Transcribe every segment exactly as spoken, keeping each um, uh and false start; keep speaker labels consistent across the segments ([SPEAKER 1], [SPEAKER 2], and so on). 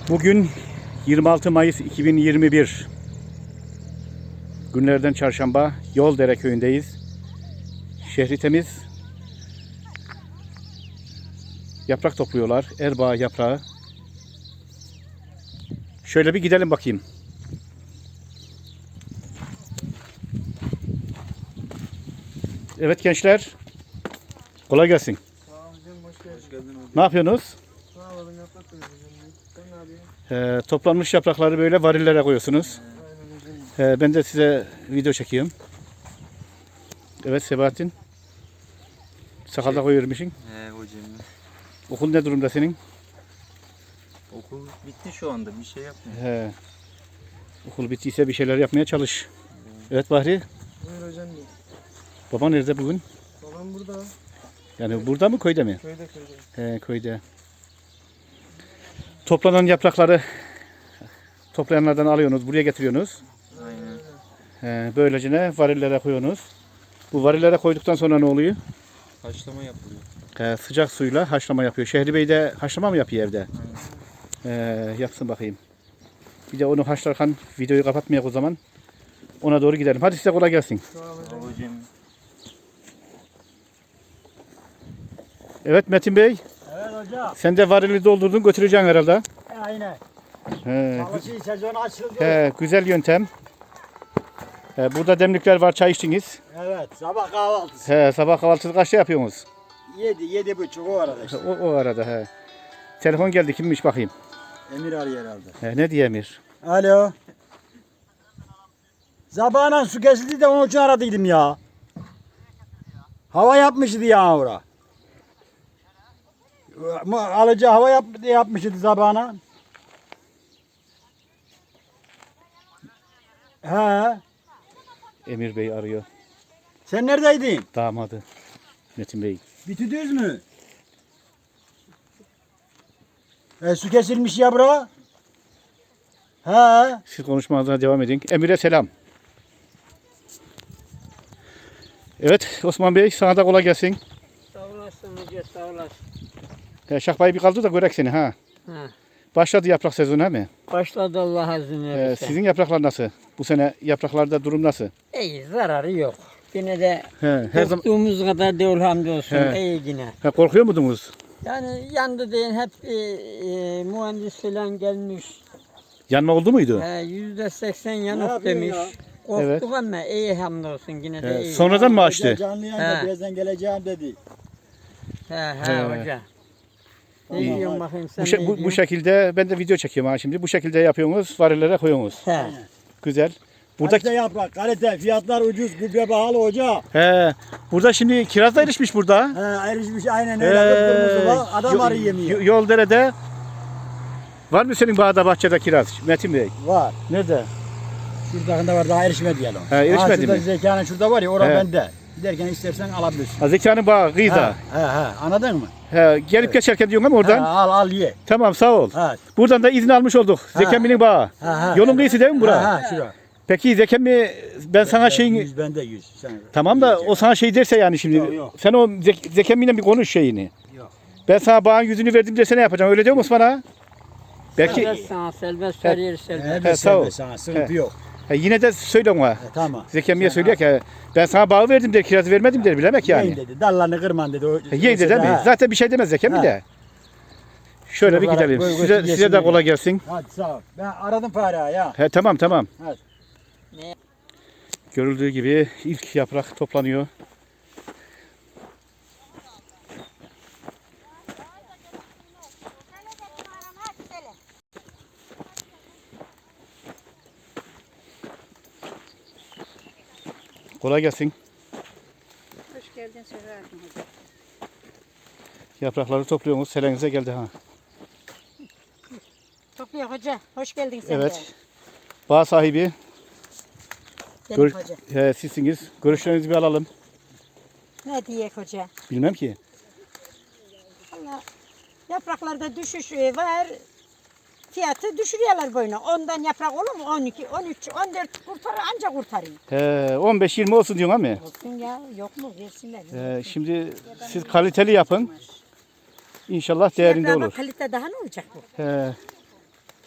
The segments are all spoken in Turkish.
[SPEAKER 1] Bugün yirmi altı Mayıs iki bin yirmi bir günlerden çarşamba, Yoldere köyündeyiz. Şehri temiz. Yaprak topluyorlar. Erbaa yaprağı. Şöyle bir gidelim bakayım. Evet gençler. Kolay gelsin.
[SPEAKER 2] Sağ olun hocam, hoş geldin. Hoş geldin hocam.
[SPEAKER 1] Ne yapıyorsunuz?
[SPEAKER 2] Sağ olun, yaprak koyuyoruz hocam. Sen ne yapıyorsun?
[SPEAKER 1] Ee, toplanmış yaprakları böyle varillere koyuyorsunuz.
[SPEAKER 2] Aynen hocam.
[SPEAKER 1] Ee, ben de size video çekiyorum. Evet Sebahattin. Sakalda
[SPEAKER 3] Şey-
[SPEAKER 1] koyuyormuşsun.
[SPEAKER 3] He hocam.
[SPEAKER 1] Okul ne durumda senin?
[SPEAKER 3] Okul bitti şu anda, bir şey yapmıyor.
[SPEAKER 1] He. Okul bittiyse bir şeyler yapmaya çalış. Evet Bahri.
[SPEAKER 2] Buyur hocam. diyor.
[SPEAKER 1] Baba nerede bugün?
[SPEAKER 2] Babam burada.
[SPEAKER 1] Yani burada mı köyde mi?
[SPEAKER 2] Köyde köyde.
[SPEAKER 1] He, köyde. Toplanan yaprakları toplayanlardan alıyorsunuz, buraya getiriyorsunuz.
[SPEAKER 3] Aynen.
[SPEAKER 1] He, böylece ne? Varillere koyuyorsunuz. Bu varillere koyduktan sonra ne oluyor?
[SPEAKER 3] Haşlama yapılıyor.
[SPEAKER 1] He, sıcak suyla haşlama yapıyor. Şehri Bey de haşlama mı yapıyor evde?
[SPEAKER 3] Aynen.
[SPEAKER 1] He, yapsın bakayım. Bir de onu haşlarken videoyu kapatmayak o zaman. Ona doğru gidelim. Hadi size kolay gelsin.
[SPEAKER 2] Sağ ol
[SPEAKER 3] Sağ
[SPEAKER 2] hocam.
[SPEAKER 3] ol hocam.
[SPEAKER 1] Evet Metin Bey.
[SPEAKER 4] Evet hocam.
[SPEAKER 1] Sen de varili doldurdun götüreceksin herhalde.
[SPEAKER 4] Aynen.
[SPEAKER 1] He,
[SPEAKER 4] Çalışı sezonu açıldı.
[SPEAKER 1] he, güzel yöntem. He, burada demlikler var, çay içtiniz.
[SPEAKER 4] Evet. Sabah kahvaltısı.
[SPEAKER 1] He, sabah kahvaltısı kaçta yapıyorsunuz?
[SPEAKER 4] Yedi, yedi buçuk o arada işte.
[SPEAKER 1] O, o arada he. Telefon geldi, kimmiş bakayım.
[SPEAKER 4] Emir arıyor herhalde.
[SPEAKER 1] He, ne diye Emir?
[SPEAKER 4] Alo. Zabağına su kesildi de onun için aradıydım ya. Hava yapmıştı ya ora. Alıcı hava yap, yapmıştı zabağına. He.
[SPEAKER 1] Emir Bey arıyor.
[SPEAKER 4] Sen neredeydin?
[SPEAKER 1] Damadı. Metin Bey.
[SPEAKER 4] Bitidiniz mü? E, su kesilmiş ya bura. He.
[SPEAKER 1] Siz konuşmanıza devam edin. Emir'e selam. Evet Osman Bey, sana da kolay gelsin.
[SPEAKER 5] Sağ olasın hoca, sağ olasın.
[SPEAKER 1] He, Şahbay bir kaldı da görek seni ha.
[SPEAKER 5] Ha.
[SPEAKER 1] Başladı yaprak sezonu he mi?
[SPEAKER 5] Başladı Allah izin
[SPEAKER 1] He,
[SPEAKER 5] verirse.
[SPEAKER 1] sizin yapraklar nasıl? Bu sene yapraklarda durum nasıl?
[SPEAKER 5] İyi, zararı yok. Yine de
[SPEAKER 1] He, her zaman
[SPEAKER 5] korktuğumuz kadar değil hamdolsun.
[SPEAKER 1] He.
[SPEAKER 5] İyi yine.
[SPEAKER 1] he, korkuyor muydunuz?
[SPEAKER 5] Yani yandı deyin hep e, e, mühendis falan gelmiş.
[SPEAKER 1] Yanma oldu muydu?
[SPEAKER 5] He, Yüzde seksen
[SPEAKER 4] Ne
[SPEAKER 5] yanık
[SPEAKER 4] yapıyorsun
[SPEAKER 5] demiş.
[SPEAKER 4] ya?
[SPEAKER 5] Korktuk
[SPEAKER 1] Evet.
[SPEAKER 5] ama iyi hamdolsun yine de
[SPEAKER 1] He,
[SPEAKER 5] iyi.
[SPEAKER 1] sonradan mı açtı?
[SPEAKER 4] Canlı yayında
[SPEAKER 5] He.
[SPEAKER 4] birazdan geleceğim dedi.
[SPEAKER 5] He he,
[SPEAKER 1] He.
[SPEAKER 5] hoca. Ne
[SPEAKER 4] Tamam,
[SPEAKER 5] diyorsun
[SPEAKER 4] hadi.
[SPEAKER 5] bakayım sen
[SPEAKER 1] Bu, şe-
[SPEAKER 5] ne
[SPEAKER 1] bu, bu
[SPEAKER 5] diyorsun?
[SPEAKER 1] şekilde ben de video çekiyorum ha şimdi. Bu şekilde yapıyorsunuz, varillere koyuyorsunuz.
[SPEAKER 5] He.
[SPEAKER 1] Güzel. Burada
[SPEAKER 4] Kalite yaprak, kalite, fiyatlar ucuz, gübre pahalı hoca.
[SPEAKER 1] he, burada şimdi kiraz da erişmiş burada.
[SPEAKER 4] He, erişmiş aynen öyle.
[SPEAKER 1] Ee,
[SPEAKER 4] Kıpkırmızı var, adam
[SPEAKER 1] yo-
[SPEAKER 4] arı yemiyor.
[SPEAKER 1] yo- Yoldere'de var mı senin bağda bahçede kiraz Metin Bey?
[SPEAKER 4] Var.
[SPEAKER 1] Nerede?
[SPEAKER 4] Şuradakında var, daha erişmedi yani.
[SPEAKER 1] He, erişmedi
[SPEAKER 4] Ha, şurada
[SPEAKER 1] mi?
[SPEAKER 4] Zekanın şurada var ya, orada
[SPEAKER 1] He.
[SPEAKER 4] bende. Giderken istersen alabilirsin.
[SPEAKER 1] Ha, Zeka'nın bağı kıyıda.
[SPEAKER 4] He, he, he, anladın mı?
[SPEAKER 1] He, gelip geçerken diyorsun ama oradan.
[SPEAKER 4] He, al al ye.
[SPEAKER 1] Tamam sağ ol.
[SPEAKER 4] He,
[SPEAKER 1] Buradan da izin almış olduk.
[SPEAKER 4] Ha.
[SPEAKER 1] Zekemmi'nin bağı.
[SPEAKER 4] he, he.
[SPEAKER 1] Yolun kıyısı değil mi bura?
[SPEAKER 4] He, he, şura.
[SPEAKER 1] Peki Zekemmi ben sana şeyin...
[SPEAKER 4] Yüz bende yüz. Sen,
[SPEAKER 1] Tamam da o sana şey derse yani şimdi.
[SPEAKER 4] Yok, yok.
[SPEAKER 1] Sen o Zek Zekemmi'yle bir konuş şeyini.
[SPEAKER 4] Yok.
[SPEAKER 1] Ben sana bağın yüzünü verdim desene yapacağım. Öyle diyor musun bana? Belki
[SPEAKER 5] Serbest sana, serbest her yer serbest.
[SPEAKER 4] He,
[SPEAKER 1] He, sağ ol.
[SPEAKER 4] sana sıkıntı
[SPEAKER 1] He.
[SPEAKER 4] yok.
[SPEAKER 1] he, yine de söyle ona.
[SPEAKER 4] He, tamam.
[SPEAKER 1] Zekemmi'ye
[SPEAKER 4] Sen
[SPEAKER 1] söylüyor ki he, ben sana bağı verdim der, kirazı vermedim der bilemek
[SPEAKER 4] Yiyin
[SPEAKER 1] yani.
[SPEAKER 4] dedi, dallarını kırman dedi. O,
[SPEAKER 1] He, Yiyin de değil mi?
[SPEAKER 4] He.
[SPEAKER 1] Zaten bir şey demez Zekemmi
[SPEAKER 4] He.
[SPEAKER 1] de. Şöyle bir
[SPEAKER 4] Şuralara
[SPEAKER 1] gidelim.
[SPEAKER 4] koy, koy,
[SPEAKER 1] Size,
[SPEAKER 4] yesin
[SPEAKER 1] size de
[SPEAKER 4] dedi.
[SPEAKER 1] kolay gelsin.
[SPEAKER 4] Hadi sağ ol. Ben aradım Farah'ı ya.
[SPEAKER 1] He, tamam tamam.
[SPEAKER 4] Hadi.
[SPEAKER 5] Ne?
[SPEAKER 1] Görüldüğü gibi ilk yaprak toplanıyor. Kolay gelsin.
[SPEAKER 6] Hoş geldin Selahattin Hoca.
[SPEAKER 1] Yaprakları topluyorsunuz. Selenize geldi ha.
[SPEAKER 6] Topluyor hoca. Hoş geldin sen
[SPEAKER 1] Evet.
[SPEAKER 6] de.
[SPEAKER 1] Bağ sahibi
[SPEAKER 6] Benim
[SPEAKER 1] gör,
[SPEAKER 6] hoca.
[SPEAKER 1] he, sizsiniz. Görüşlerinizi bir alalım.
[SPEAKER 6] Ne diyek hoca?
[SPEAKER 1] Bilmem ki.
[SPEAKER 6] Allah yapraklarda düşüş e, var. Fiyatı düşürüyorlar boyuna. Ondan yaprak olur mu? on iki, on üç, on dört kurtarır anca kurtarıyor.
[SPEAKER 1] He, on beş yirmi olsun diyorsun ama.
[SPEAKER 6] Olsun ya. Yok mu? Versinler.
[SPEAKER 1] He, şimdi siz kaliteli yapın. İnşallah değerinde
[SPEAKER 6] Yaprağa
[SPEAKER 1] olur.
[SPEAKER 6] bak, kalite daha ne olacak bu?
[SPEAKER 1] He,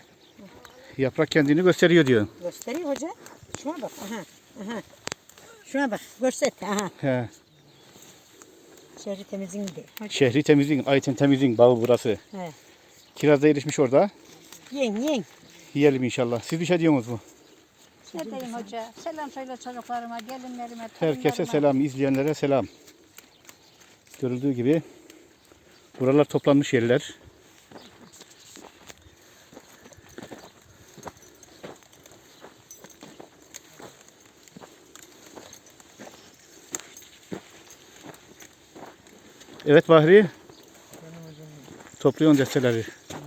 [SPEAKER 1] Yaprak kendini gösteriyor diyor.
[SPEAKER 6] Gösteriyor hoca. Şuna bak. Aha. Aha. Şuna bak. Göster. Aha.
[SPEAKER 1] He.
[SPEAKER 6] Şehri temizliğinde. Hoca.
[SPEAKER 1] Şehri temizliğin, Ayten temizliğin bağı burası.
[SPEAKER 6] He.
[SPEAKER 1] Kiraz da erişmiş orada.
[SPEAKER 6] Yen yen.
[SPEAKER 1] Yiyelim inşallah. Siz bir şey diyorsunuz mu?
[SPEAKER 7] Ne diyeyim hoca? Selam söyle çocuklarıma, gelinlerime,
[SPEAKER 1] Herkese
[SPEAKER 7] torunlarıma.
[SPEAKER 1] selam, izleyenlere selam. Görüldüğü gibi buralar toplanmış yerler. Evet Bahri. Topluyorsun desteleri.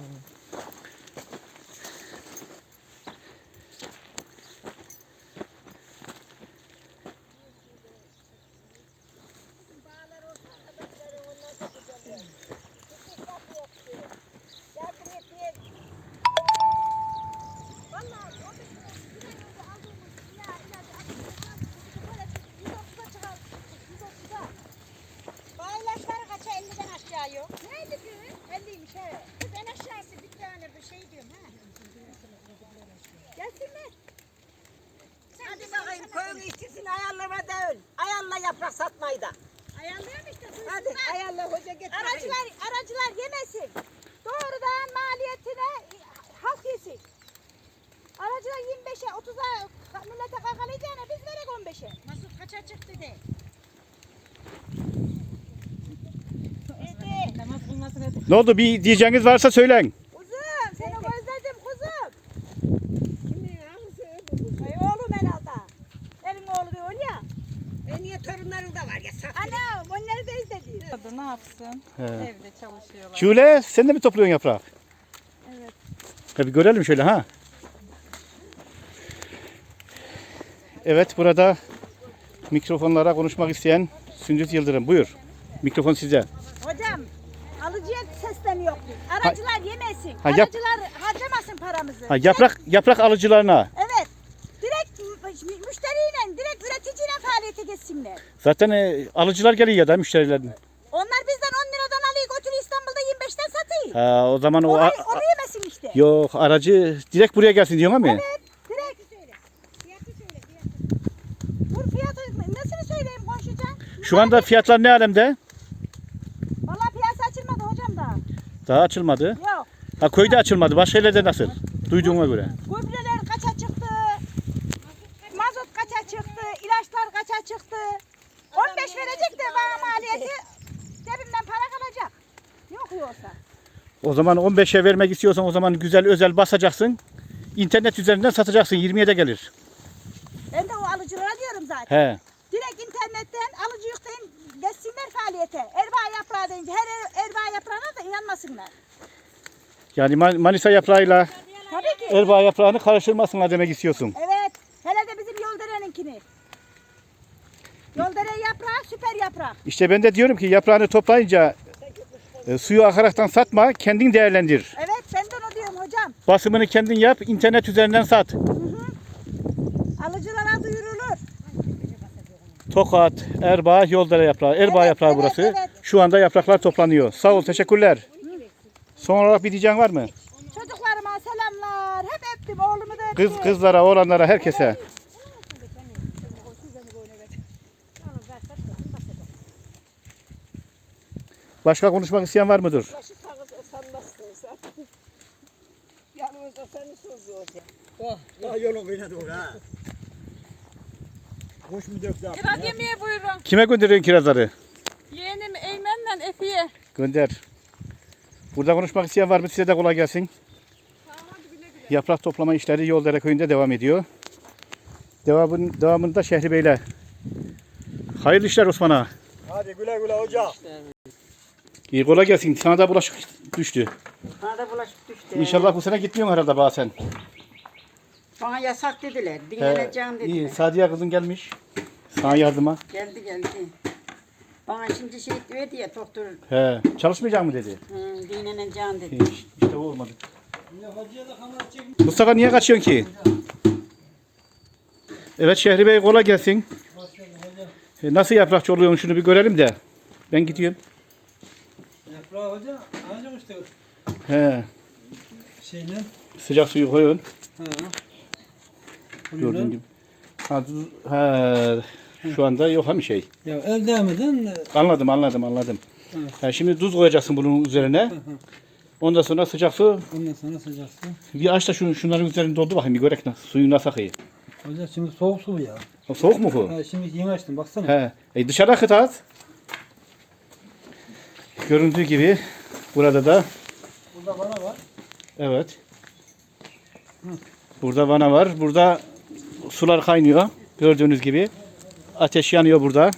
[SPEAKER 6] Baylaşları kaça elliden aşağı yok. Neydi kız? elliymiş he. Kız en aşağısı bir tane bir şey diyorum ha. Gelsinler. Hadi bakayım koyun işçisini ayarlama değil. Ayarla yaprak satmayı da. Ayarlayalım işte. Hadi ayarla hoca getir. Aracılar, aracılar yemesin. Doğrudan maliyetine halk yesin. Aracılar yirmi beşe otuza millete kakalayacağına biz verek on beşe. Nasıl kaça çıktı de.
[SPEAKER 1] Ne oldu? Bir diyeceğiniz varsa söyleyin.
[SPEAKER 6] Kuzum seni özledim kuzum. Kimin ağzı? Ay oğlum herhalde. Benim oğlu da öyle ya. E niye torunların da var ya sakın. Ana onları da izledi.
[SPEAKER 7] Kadın ne yapsın?
[SPEAKER 1] He.
[SPEAKER 7] Evde çalışıyorlar.
[SPEAKER 1] Şule sen de mi topluyorsun yaprak?
[SPEAKER 7] Evet.
[SPEAKER 1] Tabii görelim şöyle ha. Evet burada mikrofonlara konuşmak isteyen Sündüz Yıldırım. Buyur. Mikrofon size.
[SPEAKER 6] Hocam alıcıya sesleniyor. Aracılar yemesin.
[SPEAKER 1] Ha, yap-
[SPEAKER 6] Aracılar harcamasın paramızı.
[SPEAKER 1] Ha, yaprak yaprak alıcılarına.
[SPEAKER 6] Evet. Direkt mü- müşteriyle, direkt üreticiyle faaliyete geçsinler.
[SPEAKER 1] Zaten e, alıcılar geliyor ya da müşterilerden.
[SPEAKER 6] Onlar bizden on liradan alıyor götürüyor İstanbul'da yirmi beşten satıyor.
[SPEAKER 1] Ha, o zaman o
[SPEAKER 6] Orayı,
[SPEAKER 1] a-
[SPEAKER 6] onu yemesin işte.
[SPEAKER 1] yok aracı direkt buraya gelsin diyorsun ama.
[SPEAKER 6] Evet, direkt. Dur fiyatı nesini söyleyeyim konuşacağım.
[SPEAKER 1] Şu anda fiyatlar ne alemde?
[SPEAKER 6] Vallahi piyasa açılmadı hocam da.
[SPEAKER 1] Daha açılmadı.
[SPEAKER 6] Yok.
[SPEAKER 1] Ha köyde açılmadı. Başka yerlerde nasıl? Duyduğuma göre.
[SPEAKER 6] Gübreler kaça çıktı? Mazot kaça çıktı? İlaçlar kaça çıktı? on beş verecek de bana maliyeti cebimden para kalacak. Yok yoksa.
[SPEAKER 1] O zaman on beşe vermek istiyorsan o zaman güzel özel basacaksın. İnternet üzerinden satacaksın. yirmiye de gelir.
[SPEAKER 6] Ben de o alıcılara diyorum zaten.
[SPEAKER 1] He.
[SPEAKER 6] Direkt internetten alıcı yükleyin geçsinler faaliyete. Erbaa yaprağı deyince her er- erbaa yaprağına da inanmasınlar.
[SPEAKER 1] Yani Man- Manisa yaprağıyla
[SPEAKER 6] Tabii ki.
[SPEAKER 1] Erbaa yaprağını karıştırmasınlar demek istiyorsun.
[SPEAKER 6] Evet. Hele de bizim Yoldere'ninkini. Yoldere yaprağı süper yaprak.
[SPEAKER 1] İşte ben de diyorum ki yaprağını toplayınca e, suyu akaraktan satma, kendin değerlendir.
[SPEAKER 6] Evet ben de onu diyorum hocam.
[SPEAKER 1] Basımını kendin yap, internet üzerinden sat.
[SPEAKER 6] Alıcılara duyurulur.
[SPEAKER 1] Tokat, Erbaa, Yoldere yaprağı. Erbaa
[SPEAKER 6] Evet,
[SPEAKER 1] yaprağı
[SPEAKER 6] evet,
[SPEAKER 1] burası.
[SPEAKER 6] evet.
[SPEAKER 1] Şu anda yapraklar toplanıyor. Sağ ol, teşekkürler. Son olarak bir diyeceğin var mı?
[SPEAKER 6] Çocuklarıma selamlar. Hep öptüm oğlumu da öptüm.
[SPEAKER 1] Kız kızlara, oğlanlara, herkese. Başka konuşmak isteyen var mıdır?
[SPEAKER 4] Ya yolun kıyına doğru ha. Kuş mu döktü abi?
[SPEAKER 7] Kiraz yemeye buyurun.
[SPEAKER 1] Kime gönderiyorsun kirazları?
[SPEAKER 7] Yeğenim Eymen'le Efi'ye.
[SPEAKER 1] Gönder. Burada konuşmak isteyen var mı? Size de kolay gelsin. Yaprak toplama işleri Yoldere köyünde devam ediyor. Devamın, devamında Şehri Bey'le. Hayırlı işler Osman'a.
[SPEAKER 4] Hadi güle güle hoca.
[SPEAKER 1] İyi kolay gelsin. Sana da bulaşık düştü.
[SPEAKER 5] Bana da bulaşık düştü.
[SPEAKER 1] İnşallah bu sene gitmiyorsun herhalde bazen.
[SPEAKER 5] Bana yasak dediler.
[SPEAKER 1] He,
[SPEAKER 5] Dinleneceğim dediler.
[SPEAKER 1] iyi. Sadiye kızın gelmiş. Sana yardıma.
[SPEAKER 5] Geldi geldi. Bana şimdi şey diyor diye doktor
[SPEAKER 1] He, çalışmayacak mı dedi.
[SPEAKER 5] hı, dinleneceğim dedi.
[SPEAKER 1] İyi, İşte o olmadı. Mustafa niye kaçıyorsun ki? Evet Şehri Bey kolay gelsin. E, Nasıl yaprakçı oluyorsun şunu bir görelim de. Ben gidiyorum.
[SPEAKER 2] Yaprağı hoca ancak işte
[SPEAKER 1] He,
[SPEAKER 2] şeyle
[SPEAKER 1] sıcak suyu koyun.
[SPEAKER 4] Hı.
[SPEAKER 1] Gördüğün gibi. Ha, du- ha, şu anda yok ha bir şey.
[SPEAKER 4] Ya el değmeden
[SPEAKER 1] Anladım anladım anladım.
[SPEAKER 4] Evet.
[SPEAKER 1] Ha, şimdi tuz koyacaksın bunun üzerine. Ondan sonra sıcak su.
[SPEAKER 4] ondan sonra sıcak su.
[SPEAKER 1] Bir aç da şunu, şunların üzerine doldu bakayım bir görek nasıl, suyu nasıl akıyor.
[SPEAKER 4] Hocam şimdi soğuk su bu ya.
[SPEAKER 1] O soğuk mu bu?
[SPEAKER 4] Ha, şimdi yeni açtım baksana.
[SPEAKER 1] He. E dışarı akıt at. Göründüğü gibi burada da
[SPEAKER 4] Burada bana var.
[SPEAKER 1] evet. Burada vana var. Burada sular kaynıyor. Gördüğünüz gibi. Ateş yanıyor burada.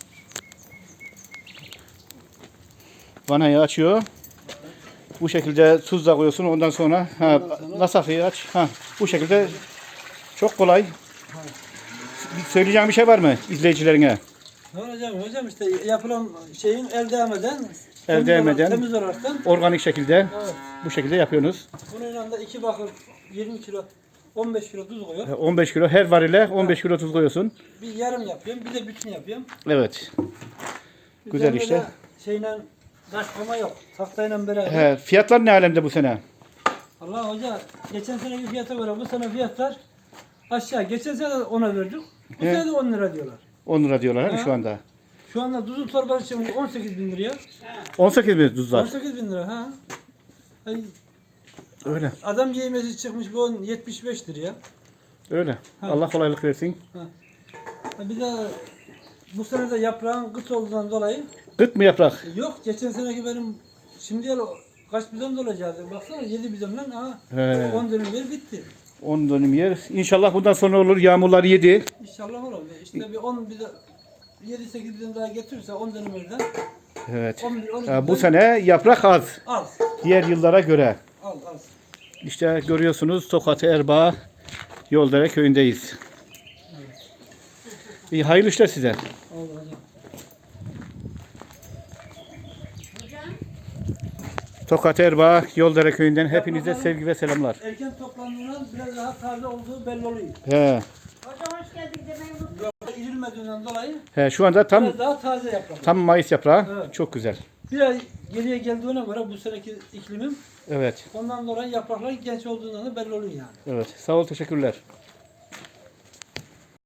[SPEAKER 1] Vanayı açıyor. Bu şekilde tuz da koyuyorsun. Ondan sonra ha, nasıl akıyor aç. Ha, bu şekilde çok kolay. Söyleyeceğim bir şey var mı izleyicilerine?
[SPEAKER 4] Ne hocam? Hocam işte yapılan şeyin el değmeden
[SPEAKER 1] El
[SPEAKER 4] temiz
[SPEAKER 1] değmeden.
[SPEAKER 4] olarak- temiz olaraktan
[SPEAKER 1] Organik şekilde
[SPEAKER 4] evet.
[SPEAKER 1] bu şekilde yapıyorsunuz.
[SPEAKER 4] Bunun yanında iki bakır yirmi kilo on beş kilo tuz koyuyor.
[SPEAKER 1] on beş kilo her varile on beş kilo tuz koyuyorsun.
[SPEAKER 4] Bir yarım yapıyorum, bir de bütün yapıyorum.
[SPEAKER 1] Evet. Güzel
[SPEAKER 4] Üzerinde
[SPEAKER 1] işte.
[SPEAKER 4] de Şeyle taş koma yok. Tahtayla beraber.
[SPEAKER 1] He, fiyatlar ne alemde bu sene?
[SPEAKER 4] Allah hoca geçen seneki fiyata göre bu sene fiyatlar aşağı. Geçen sene de ona verdik. Bu
[SPEAKER 1] He.
[SPEAKER 4] sene de on lira diyorlar.
[SPEAKER 1] on lira diyorlar ha,
[SPEAKER 4] Ha.
[SPEAKER 1] şu anda.
[SPEAKER 4] Şu anda tuzun torbası için on sekiz bin liraya.
[SPEAKER 1] on sekiz bin tuz
[SPEAKER 4] on
[SPEAKER 1] var.
[SPEAKER 4] sekiz bin lira ha. Ay,
[SPEAKER 1] Öyle.
[SPEAKER 4] adam yemesi çıkmış bu on yetmiş beş liraya.
[SPEAKER 1] Öyle.
[SPEAKER 4] Ha.
[SPEAKER 1] Allah kolaylık versin.
[SPEAKER 4] Ha, Bir de bu sene de yaprağın kıt olduğundan dolayı
[SPEAKER 1] Kıt mı yaprak?
[SPEAKER 4] yok. Geçen seneki benim şimdiye kaç bidon dolacaktı. Baksana yedi bidonla ha
[SPEAKER 1] He.
[SPEAKER 4] on dönüm yer bitti.
[SPEAKER 1] on dönüm yer. İnşallah bundan sonra olur. Yağmurlar yedi.
[SPEAKER 4] İnşallah olur. İşte bir on bidon yedi sekiz bidon daha getirirse on dönüm yerden
[SPEAKER 1] Evet.
[SPEAKER 4] on bir on iki
[SPEAKER 1] Ha, bu
[SPEAKER 4] bidon
[SPEAKER 1] sene yaprak az.
[SPEAKER 4] az.
[SPEAKER 1] Diğer yıllara göre.
[SPEAKER 4] Az az.
[SPEAKER 1] İşte görüyorsunuz Tokat Erbaa Yoldere köyündeyiz. İyi hayırlı işler size.
[SPEAKER 4] Oldu hocam.
[SPEAKER 1] Tokat Erbaa Yoldere köyünden hepinize sevgi ve selamlar.
[SPEAKER 4] Erken toplandığından biraz daha taze olduğu belli oluyor.
[SPEAKER 1] He.
[SPEAKER 6] Hocam hoş geldin demeyi unutma.
[SPEAKER 4] İrilmediğinden dolayı
[SPEAKER 1] He, şu anda tam
[SPEAKER 4] biraz daha taze yaprak.
[SPEAKER 1] tam Mayıs yaprağı.
[SPEAKER 4] Evet.
[SPEAKER 1] Çok güzel.
[SPEAKER 4] Bir ay geriye geldiğine göre bu seneki iklimim
[SPEAKER 1] Evet.
[SPEAKER 4] ondan dolayı yapraklar genç olduğundan da belli oluyor yani.
[SPEAKER 1] Evet. Sağ ol, teşekkürler.